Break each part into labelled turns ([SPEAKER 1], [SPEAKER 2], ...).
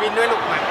[SPEAKER 1] บินด้วยลูกมา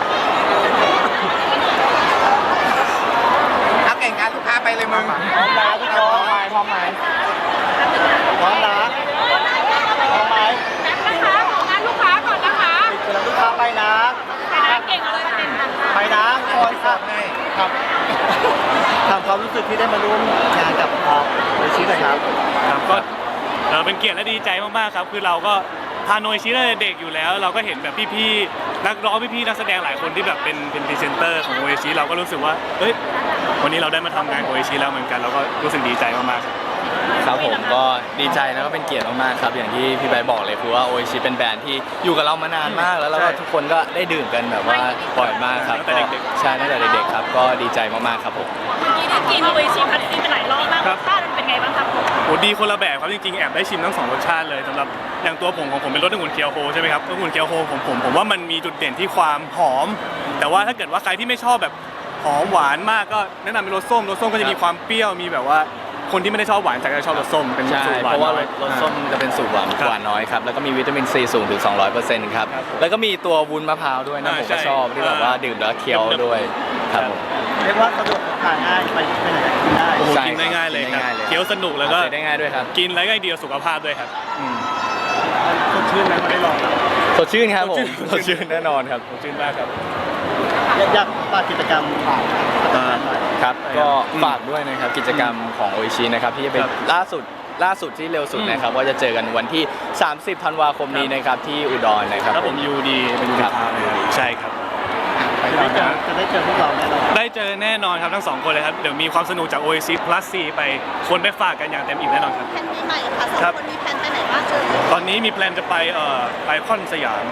[SPEAKER 1] เอาเก่งการลูกค้าไปเลยมึง
[SPEAKER 2] พร้อมนะพี่โก้พร้อมไหมพร้อมนะพร้อมไหม
[SPEAKER 3] นะคะของงานลูกค้าก่อนนะคะ
[SPEAKER 2] เดี๋ยวลูกค้าไปนะ
[SPEAKER 3] แต่นะเก่งเลยเด่นค่ะ
[SPEAKER 2] ไปนะคนครับครับถามความรู้สึกที่ได้มาร่วมงานกับโอชิหน่อยครับ
[SPEAKER 4] ครับก็เป็นเกียรติและดีใจมากๆครับคือเราก็พาโนยชิตั้งแต่เด็กอยู่แล้ว เราก็เห็นแบบพี่ๆนักร้องพี่ๆนักแสดงหลายคนที่แบบเป็นพรีเซนเตอร์ของโอชิเราก็รู้สึกว่าเอ้ยวันนี้เราได้มาทำงานโอชิแล้วเหมือนกันเราก็รู้สึกดีใจมากๆ
[SPEAKER 5] ครับผมก็ดีใจแล้วก็เป็นเกียรติมากๆครับอย่างที่พี่ใบบอกเลยคือว่าโอชิเป็นแบรนด์ที่อยู่กับเรามานานมากแล้วเราก็ทุกคนก็ได้ดื่มกันแบบว่าบ่อยมากครับก็ใช่ตั้งแต่เด็กๆครับก็ดีใจมากๆครับผม
[SPEAKER 3] เมื่อกี้ได้กินโออิชิพัตตี้ไปหลายรอบมากรสชาติมันเป็นไงบ้างครับผม
[SPEAKER 4] โอ้ดีคนละแบบครับจริงๆแอบได้ชิมทั้ง2รสชาติเลยสำหรับอย่างตัวผมของผมเป็นรสองุ่นเคียวโฮใช่ไหมครับองุ่นเคียวโฮของผมว่ามันมีจุดเด่นที่ความหอม แต่ว่าถ้าเกิดว่าใครที่ไม่ชอบแบบหอมหวานมากก็แนะนำเป็นรสส้มก็จะมีความเปรี้ยวมีแบบว่าคนที่ไม่ได้ชอบหวานแต่ก็ชอบรสส้มเป็นสูตรหวาน
[SPEAKER 5] เพราะว่ารสส้มจะเป็นสูตรหวานน้อยครับแล้วก็มีวิตามินซีสูงถึง 200%ครับแล้วก็มีตัววุ้นมะพร้าวด้วยนะผมก็ชอบที่แบบว่าดื่มแล้วเคี้ยวด้วยครับผม
[SPEAKER 2] เรียกว่าสะดวกทานง่ายไปไหนกินได้
[SPEAKER 4] โอ้โหกินง่ายๆเลยครับเคี้ยวสนุกแล้วก็
[SPEAKER 5] ได้ง่ายด้วยครับ
[SPEAKER 4] กินแล้วก็ดีต่อสุขภาพด้วยครับ
[SPEAKER 2] สดชื่นไหมมาได้ลอง
[SPEAKER 5] สดชื่นครับผมสดชื่นแน่นอนครับ
[SPEAKER 4] สดชื่นมากครับ
[SPEAKER 2] อยากฝากกิจกรรม
[SPEAKER 5] ครับก็ฝากด้วยนะครับกิจกรรมของโอชินะครับที่จะเป็นล่าสุดที่เร็วสุดนะครับว่าจะเจอกันวันที่ 30 ธันวาคมนี้นะครับที่อุดรนะครับ
[SPEAKER 4] ครับผมยูดีเป็นยูดีทาวน์เลยครับใช่ครับ
[SPEAKER 2] จะได้เจอพวกเราแน่นอน
[SPEAKER 4] ได้เจอแน่นอนครับทั้ง2คนเลยครับเดี๋ยวมีความสนุกจาก Oasis Plus C ไปคนไปฝากกันอย่างเต็มอิ่มแน่นอนครับ
[SPEAKER 3] แผนปีใหม่ค่ะสองคนมีแผนไปไหนบ้างเอ่ย
[SPEAKER 4] ตอนนี้มีแพลนจะไปไอคอนสยาม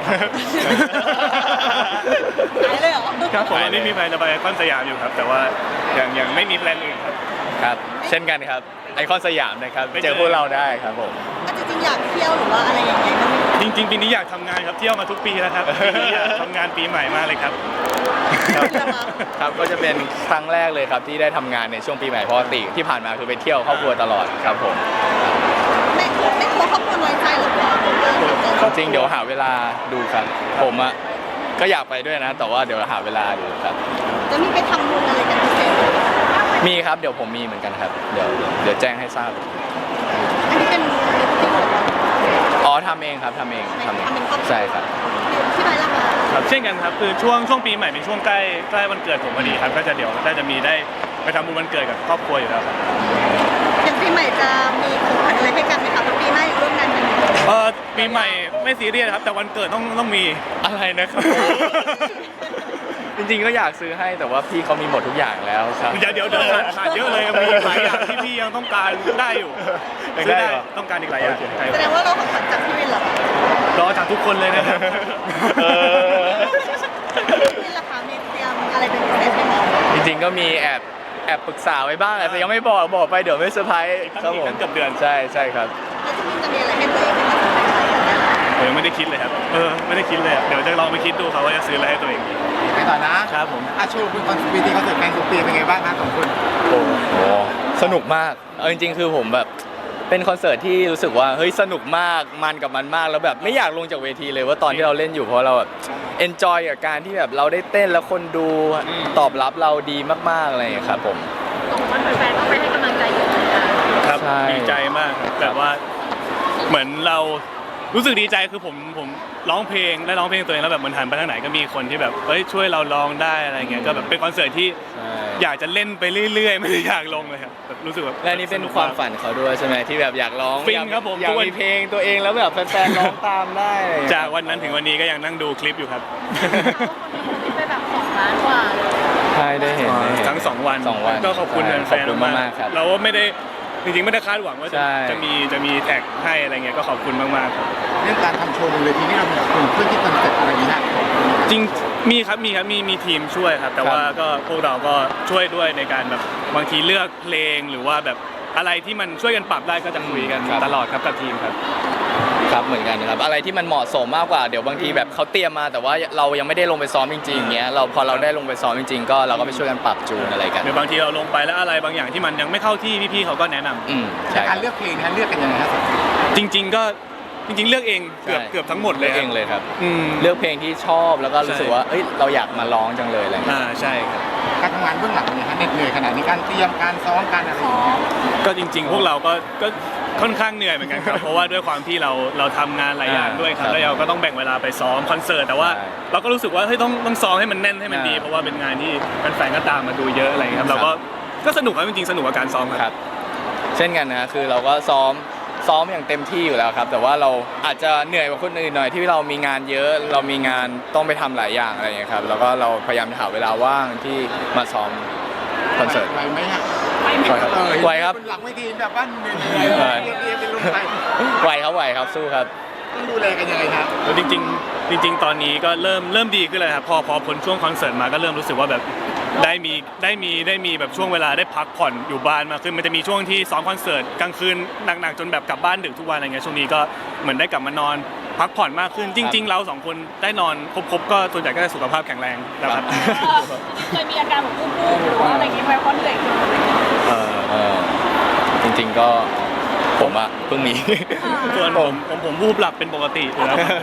[SPEAKER 3] ไปเลยเหรอ
[SPEAKER 4] ครับผมตอนนี้มีแพลนจะไปไอคอนสยามอยู่ครับแต่ว่ายังไม่มีแพลนอื่นครับ
[SPEAKER 5] ครับเช่นกันครับไอคอนสยามนะครับเจอพวกเราได้ครับผม
[SPEAKER 3] จริงๆอยากเที่ยวหรือว่าอะไรอย่างเงี้ย
[SPEAKER 4] จริงๆปีนี้อยากทำงานครับเที่ยวมาทุกปีแล้วครับปีนี้อยากทำงานปีใหม่มากเลยครับ
[SPEAKER 5] ครับก็จะเป็นครั้งแรกเลยครับที่ได้ทำงานในช่วงปีใหม่เพราะปกติที่ผ่านมาคือไปเที่ยวครอบครัวตลอดครับผม
[SPEAKER 3] ไม่กลัวครอบครัวน้อยใจหรือเปล่า
[SPEAKER 5] จริงเดี๋ยวหาเวลาดูครับผมอ่ะก็อยากไปด้วยนะแต่ว่าเดี๋ยวหาเวลาดูครับ
[SPEAKER 3] จะมีไปทำบุญอะไรกันพิเศษ
[SPEAKER 5] มีครับเดี๋ยวผมมีเหมือนกันครับเดี๋ยวแจ้งให้ทราบ
[SPEAKER 3] อันนี้เป็น
[SPEAKER 5] อ๋อทำเองครับทำเองใช่ครับ
[SPEAKER 3] ที่ไหนล่ะคะ
[SPEAKER 4] ครับเช่นกันครับคือช่วงปีใหม่เป็นช่วงใกล้วันเกิดผมพอดีครับก็จะเดี๋ยวน่าจะมีได้ไปทำบุญวันเกิดกับครอบครัวอยู่แล้วครับ
[SPEAKER 3] อย่างปีใหม่จะมีของขวัญอะไรให้กันไหมคะปีหน้ายังร่วมงานกัน
[SPEAKER 4] ปีใหม่ไม่ซีเรียสครับแต่วันเกิดต้องมี
[SPEAKER 5] อะไรนะครับ จริงๆก็อยากซื้อให้แต่ว่าพี่เขามีหมดทุกอย่างแล้วครับ
[SPEAKER 4] เดี๋ยวขาดเยอะเลยมีหลายอย่างที่พี่ยังต้องการได้อยู่ซื้อได้ต้องการอีกหลายอย่าง
[SPEAKER 3] แสดงว่าเราของขวัญจากพี่วินเหรอ
[SPEAKER 4] รอจากทุกคนเลยนะครับ
[SPEAKER 3] นี่ราคามีเตรียมอะไรเป็นพิเศษไหมคะ
[SPEAKER 5] จริงๆก็มีแอบปรึกษาไว้บ้างแต่ยังไม่บอกไปเดี๋ยวไม่เซอร์ไพรส์ครับผม
[SPEAKER 4] เกือบเดือน
[SPEAKER 5] ใช่ครับ
[SPEAKER 3] แล้วจะมีอะไรให้ตัวเองไหมคะ
[SPEAKER 4] ผมยังไม่ได้คิดเลยครับไม่ได้คิดเลยเดี๋ยวจะลองไปคิดดูครับว่าจะซื้ออะไรให้ตัวเอง
[SPEAKER 1] ไปต่อนะครับ
[SPEAKER 4] ผม
[SPEAKER 1] โชว์คุณคอนสปีที่เขาเสร็จแฟนสุปีเป็นไงบ้างครับของคุณ
[SPEAKER 5] โอ้โหสนุกมากจริงๆคือผมแบบเป็นคอนเสิร์ตที่รู้สึกว่าเฮ้ยสนุกมากมันกับมันมากแล้วแบบไม่อยากลงจากเวทีเลยว่าตอนที่เราเล่นอยู่เพราะเราแบบเอนจอยกับการที่แบบเราได้เต้นแล้วคนดูตอบรับเราดีมากๆอะไรอย่างเงี้ยครับผม
[SPEAKER 3] คนแฟนต้องไปให้กำลังใจเยอะ
[SPEAKER 4] ครับดีใจมากแบบว่าเหมือนเรารู้สึกดีใจคือผมร้องเพลงตัวเองแล้วแบบเหมือนหันไปทางไหนก็มีคนที่แบบเฮ้ยช่วยเราร้องได้อะไรเงี้ยก็แบบเป็นคอนเสิร์ตที่อยากจะเล่นไปเรื่อยๆไม่ได้อยากลงเลยครับแบบรู้สึกแบบ
[SPEAKER 5] และนี่เป็นความฝันเขาด้วยใช่ไหมที่แบบอยากร้อง
[SPEAKER 4] ฟินครับผม
[SPEAKER 5] อยากมีเพลงตัวเองแล้วแบบแฟนๆร้องตามได้
[SPEAKER 4] จากวันนั้นถึงวันนี้ก็ยังนั่งดูคลิปอยู่ครับ
[SPEAKER 3] ไปแบบ2 ล้านกว่าเลย
[SPEAKER 5] ใช่ได้เห็น
[SPEAKER 4] ทั้ง2 วันก็ขอบคุณแฟนๆมากๆเราไม่ได้จริงๆไม่ได้คาดหวังว่าจะมีแท็กให้อะไรเงี้ยก็ขอบคุณมากๆครับ
[SPEAKER 1] เรื่องการทำโชว์บนเวทีนี่เรามีคนเพื่อที่คอนเซ็ปต์อะไรนี้นะ
[SPEAKER 4] จริงมีทีมช่วยครับแต่ว่าก็พวกเราก็ช่วยด้วยในการแบบบางทีเลือกเพลงหรือว่าแบบอะไรที่มันช่วยกันปรับได้ก็จะคุยกันตลอดครับกับทีมครับ
[SPEAKER 5] ครับเหมือนกันครับอะไรที่มันเหมาะสมมากกว่าเดี๋ยวบางทีแบบเขาเตรียมมาแต่ว่าเรายังไม่ได้ลงไปซ้อมจริงๆอย่างเงี้ยพอเราได้ลงไปซ้อมจริงๆก็เราก็ไปช่วยกันปรับจูนอะไรกัน
[SPEAKER 4] หรือบางทีเราลงไปแล้วอะไรบางอย่างที่มันยังไม่เข้าที่พี่ๆเขาก็แนะนำ
[SPEAKER 1] การเลือกเพลงนะเลือกกันยังไงครับ
[SPEAKER 4] จริงๆก็จริงๆเลือกเองเกือบ
[SPEAKER 5] ใช่
[SPEAKER 4] เกือบทั้งหมดเล
[SPEAKER 5] เลื
[SPEAKER 4] ย
[SPEAKER 5] อกเองเลยครับ
[SPEAKER 4] อืม
[SPEAKER 5] เลือกเพลงที่ชอบแล้วก็รู้สึกว่าเอ้ยเราอยากมาร้องจังเลยอะไรเงี้ย
[SPEAKER 4] ใช่ครับ
[SPEAKER 1] การทำงานเบื้องหลังเป็นยังไงฮะเหน็ดเหนื่อยขนาดนี้การเตรียมการซ้อมการอะไรอย่างเงี้ย
[SPEAKER 4] ก็จริงๆ พวกเราก็ค่อนข้างเหนื่อยเหมือนกันครับ เพราะว่าด้วยความที่เราทำงานหลายอย่างด้วยครับ แล้วเราก็ต้องแบ่งเวลาไปซ้อมคอนเสิร์ต แต่ว่าเราก็รู้สึกว่าเฮ้ยต้องซ้อมให้มันแน่นให้มันดี เพราะว่าเป็นงานที่แฟนๆ ก็ตามมาดูเยอะอะไรอย่างเงี้ยครับ เราก็สนุกครับจริงๆ สนุกกับการซ้อมค
[SPEAKER 5] ครับ รับ เช่นกันนะคือเราก็ซ้อมอย่างเต็มที่อยู่แล้วครับ แต่ว่าเราอาจจะเหนื่อยกว่าคนอื่นหน่อยที่เรามีงานเยอะ เรามีงานต้องไปทำหลายอย่างอะไรอย่างเงี้ยครับแล้วก็เราพยายามหาเวลาว่างที่มาซ้อมคอนเสิร์ต
[SPEAKER 1] ไหวไหมฮะ
[SPEAKER 5] ไหวครับไหวครับ
[SPEAKER 1] เป็นหลังเวทีแบบว่าเหนื่อยๆเรียบๆเป็นลมไป
[SPEAKER 5] ไหวครับสู้ครับ
[SPEAKER 1] ต้องดูแลกันยังไงครับ
[SPEAKER 4] แล้วจริงๆ ตอนนี้ก็เริ่มดีขึ้นเลยครับพอพ้นช่วงคอนเสิร์ตมาก็เริ่มรู้สึกว่าแบบได้มีแบบช่วงเวลาได้พักผ่อนอยู่บ้านมากขึ้นมันจะมีช่วงที่ซ้อมคอนเสิร์ตกลางคืนหนักๆจนแบบกลับบ้านดึกทุกวันอะไรเงี้ยช่วงนี้ก็เหมือนได้กลับมานอนพักผ่อนมากขึ้น จริง ๆ เราสองคนได้นอนครบก็ส่วนใหญ่ก็จะสุขภาพแข็งแรงนะครับ
[SPEAKER 3] เคยมีอาการแบบวูบๆหรือว่าอะไรอย่างเงี้ยไหมเพราะเหนื่อย
[SPEAKER 5] จริงๆก็ผมอะเพิ่งมี
[SPEAKER 4] ส่วนผมวูบหลับเป็นปกติอยู่แล้วครับ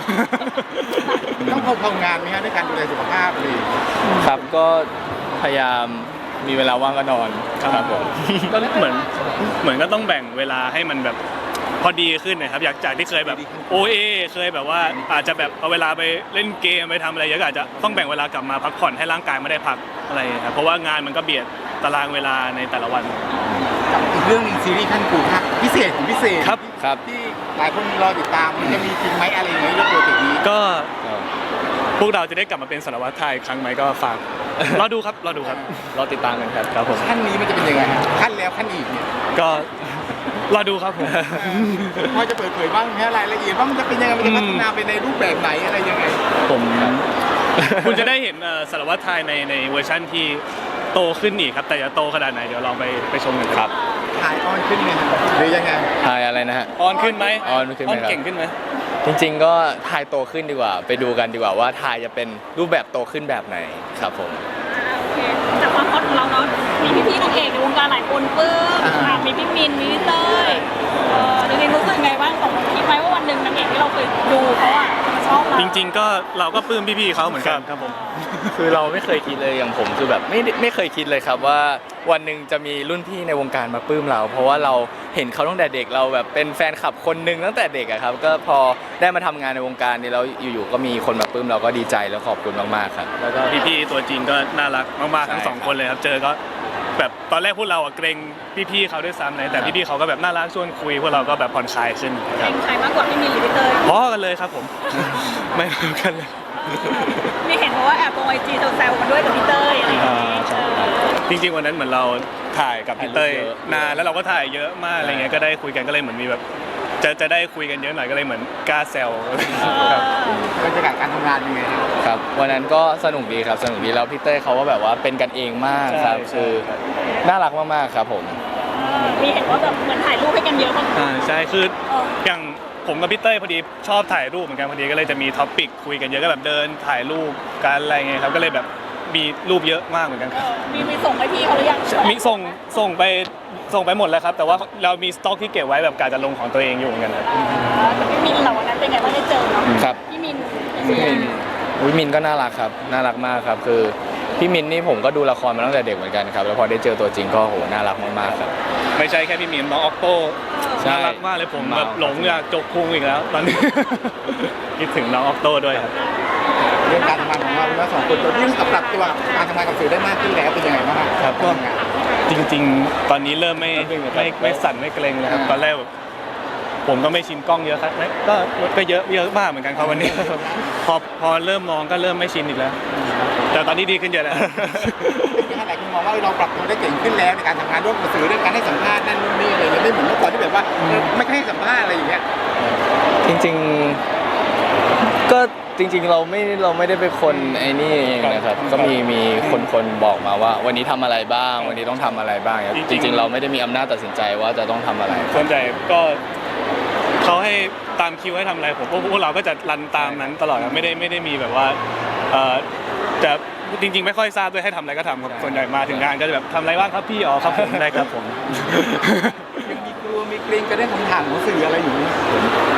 [SPEAKER 1] ต้องทำงานไหมฮะด้วยการดูแลสุขภาพเลย
[SPEAKER 5] ครับก็พยายามมีเวลาว่างก็นอนครับผม
[SPEAKER 4] ก็เหมือนก็ต้องแบ่งเวลาให้มันแบบพอดีขึ้นนะครับจากที่เคยแบบเคยแบบว่าอาจจะแบบเอาเวลาไปเล่นเกมไปทำอะไรเยอะก็อาจจะต้องแบ่งเวลากลับมาพักผ่อนให้ร่างกายไม่ได้พักอะไรครับเพราะว่างานมันก็เบียดตารางเวลาในแต่ละวัน
[SPEAKER 1] กับอีกเรื่องหนึงซีรีส์ขั้นกูครับพิเศษของพิเศษ
[SPEAKER 5] ครับ
[SPEAKER 1] ที่หลายคนรอติดตามมันจะมีจริงไหมอะไรอย่างเงี้ยเรื่องโปรเจกต์นี้
[SPEAKER 4] ก็พวกเราจะได้กลับมาเป็นสารวัตรไทยอีกครั้งไหมก็ฝากรอดูครับ
[SPEAKER 5] รอติดตามกันครับผม
[SPEAKER 1] ขั้นนี้มันจะเป็นยังไงฮะขั้นแล้วขั้นอีกเนี่ย
[SPEAKER 4] ก็รอดูครับผม
[SPEAKER 1] พอจะเปิดเผยบ้างไหมฮะรายละเอียดว่ามันจะเป็นยังไงมันจะพัฒนาไปในรูปแบบไหนอะไรยังไง
[SPEAKER 5] ผม
[SPEAKER 4] คุณจะได้เห็นสารวัตรไทยในเวอร์ชั่นที่โตขึ้นอีกครับ แต่จะโตขนาดไหนเดี๋ยวลองไปชมกันครับ
[SPEAKER 1] ถ่ายออนขึ้นเนี่ยหรือยังไง
[SPEAKER 5] ทายอะไรนะฮะ
[SPEAKER 4] ออนขึ้นไหม
[SPEAKER 5] ออนขึ้นไหมครับ
[SPEAKER 4] เก่งขึ้นไหม
[SPEAKER 5] จริงๆก็ทายโตขึ้นดีกว่า ไปดูกันดีกว่าว่าทายจะเป็นรูปแบบโตขึ้นแบบไหนครับผม
[SPEAKER 3] โอเคจากความฮอตของเราเนาะมีพี่ๆนางเอกในวงการหลายคนปลื้มมีพี่มินมีพี่เต้ยจริงๆรู้สึกไงบ้างของคิดไหมว่าวันหนึ่งนางเอกที่เราเคยดูเขาอะมาชอบเรา
[SPEAKER 4] จริง ๆ ก็เราก็ปลื้มพี่ๆเขาเหมือนกันครับผม
[SPEAKER 5] คือเราไม่เคยคิดเลยอย่างผมคือแบบไม่เคยคิดเลยครับว่าวันหนึ่งจะมีรุ่นพี่ในวงการมาปลื้มเรา เพราะว่าเราเห็นเขาตั้งแต่เด็กเราแบบเป็นแฟนคลับคนหนึ่งตั้งแต่เด็กอะครับก็พอได้มาทำงานในวงการนี้แล้วอยู่ๆก็มีคนมาปลื้มเราก็ดีใจแล้วขอบคุณมากๆครับแล้วก็
[SPEAKER 4] พี่ๆตัวจริงก็น่ารักมากๆทั้ง
[SPEAKER 5] ใช่
[SPEAKER 4] สองคนเลยครับเจอก็แบบตอนแรกพวกเราอะเกรงพี่ๆเขาด้วยซ้ำเลยแต่พี่ๆเขาก็แบบน่ารักชวนคุยพวกเราก็แบบผ่อนคลายขึ้นค
[SPEAKER 3] เอ
[SPEAKER 4] รับ
[SPEAKER 3] งใครมากกว่าพี่มินหรือพี่เตย
[SPEAKER 4] พอกันเลยครับผม ไม่เหมือนกันเลย
[SPEAKER 3] มีเห็นเพราะว่าแอบลงไอจีแซวๆกันด้วยกับพี่เตยอะไรอย่างเงี้ย
[SPEAKER 4] จริงๆวันนั้นเหมือนเราถ่ายกับพี่เต้ย
[SPEAKER 5] ถ่ายรูปเยอะ
[SPEAKER 4] นานแล้วเราก็ถ่ายเยอะมากอะไรเงี้ยก็ได้คุยกันก็เลยเหมือนมีแบบจะได้คุยกันเยอะหน่อยก็เลยเหมือนกล้าแซวครับ
[SPEAKER 1] บรรยากาศการทำงานยังไงฮะ
[SPEAKER 5] ครับวันนั้นก็สนุกดีครับสนุกดีแล้วพี่เต้ยเขาก็แบบว่าเป็นกันเองมากครับ
[SPEAKER 4] ใช่
[SPEAKER 5] คือน่ารักมากๆครับผม
[SPEAKER 3] มีเห็นว่าแบบเหมือนถ่ายรูปให้กันเยอะมาก
[SPEAKER 4] ใช่คืออย่างผมกับพี่เต้ยพอดีชอบถ่ายรูปเหมือนกันพอดีก็เลยจะมีท็อปปิกคุยกันเยอะก็แบบเดินถ่ายรูปกันอะไรเงี้ยครับก็เลยแบบมีรูปเยอะมากเหมือนกันครับ
[SPEAKER 3] มีส่งให้พี่เขาหรือยัง
[SPEAKER 4] มีส่งไปหมดแล้วครับแต่ว่าเรามีสต็อกที่เก็บไว้แบบกาจะลงของตัวเองอยู่เหมือนกันครับ
[SPEAKER 3] แต่พี่มินเหล่านั้นเป็นไงบ้างได้เจอเนาะ
[SPEAKER 5] ครับ
[SPEAKER 3] พี่มิน
[SPEAKER 5] พี่มินก็น่ารักครับน่ารักมากครับคือพี่มินนี่ผมก็ดูละครมาตั้งแต่เด็กเหมือนกันครับแล้วพอได้เจอตัวจริงก็โหน่ารักมากๆครับ
[SPEAKER 4] ไม่ใช่แค่พี่มีนน้องออกโต้
[SPEAKER 5] ใช่
[SPEAKER 4] น่ารักมากเลยผมแบบหลงอยากจกพุงอีกแล้วตอนนี้ คิดถึงน้องออกโต้ด้วยครับ
[SPEAKER 1] เรื่องการทำงานของเราแล้วสองคนตัวที่ปรับตัวการทำงานกับสื่อได้มากขึ้นแล้วเป็นยังไงบ้าง
[SPEAKER 4] ครับก็
[SPEAKER 1] ทำงาน
[SPEAKER 4] จริงๆ ตอนนี้เริ่มไม่สั่นไม่เกรงเลยครับตอนแรกแบบผมก็ไม่ชินกล้องเยอะครับก็เยอะมากเหมือนกันครับวันนี้ พอเริ่มมองก็เริ่มไม่ชินอีกแล้ว แต่ตอนนี้ดีขึ้นเยอะแล้ว
[SPEAKER 1] ที่หลายคนมองว่าเราปรับตัวได้เก่งขึ้นแล้วในการทำงานร่วมกับสื่อเรื่องการให้สัมภาษณ์นั่นนู่นนี่อะไรเงี้ยไม่เหมือนเมื่อก่อนที่แบบว่าไม่ให้สัมภาษณ์อะไรอย่างเงี้ย
[SPEAKER 5] จริงๆก็จริงๆเราไม่ได้เป็นคนไอ้นี่เองนะครับก็มีคนบอกมาว่า วันนี้ทำอะไรบ้าง วันนี้ต้องทำอะไรบ้างครับ
[SPEAKER 4] จ
[SPEAKER 5] จ
[SPEAKER 4] ริงๆ
[SPEAKER 5] ริงๆเราไม่ได้มีอำนาจตัดสินใจว่าจะต้องทำอะไร
[SPEAKER 4] ส่วนใหญ่ก็เขาให้ตามคิวให้ทำอะไรผมพวกเราก็จะรันตามนั้นตลอดครับไม่ได้มีแบบว่าจะจริงๆไม่ค่อยทราบด้วยให้ทำอะไรก็ทำครับส่วนใหญ่มาถึงงานก็จะแบบทำอะไรบ้างครับพี่อ๋อครับผมได้ครับผม
[SPEAKER 1] ยังมีกลัวมีเกรงกันได้คำถามของสื่ออะไรอยู่ไหม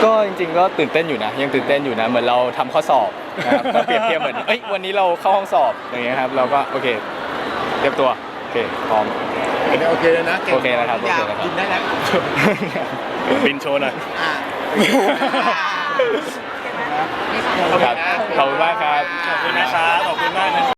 [SPEAKER 5] ก็จริงๆก็ตื่นเต้นอยู่นะยังตื่นเต้นอยู่นะเหมือนเราทำข้อสอบนะครับก็เปรียบเทียบเหมือนวันนี้เราเข้าห้องสอบอย่างเงี้ยครับเราก็โอเคเตรียมตัวโอเคพร้อม
[SPEAKER 1] โอเคเลยนะเก่ง
[SPEAKER 5] โอเคนะครับ
[SPEAKER 1] อยาก
[SPEAKER 5] โอเคนะครับ
[SPEAKER 1] กินได้แล้ว
[SPEAKER 4] บินโชว์หน่อย
[SPEAKER 1] อ่า
[SPEAKER 5] ครับขอบคุณมากครับ
[SPEAKER 4] ขอบคุณนะครับขอบคุณมากนะครับ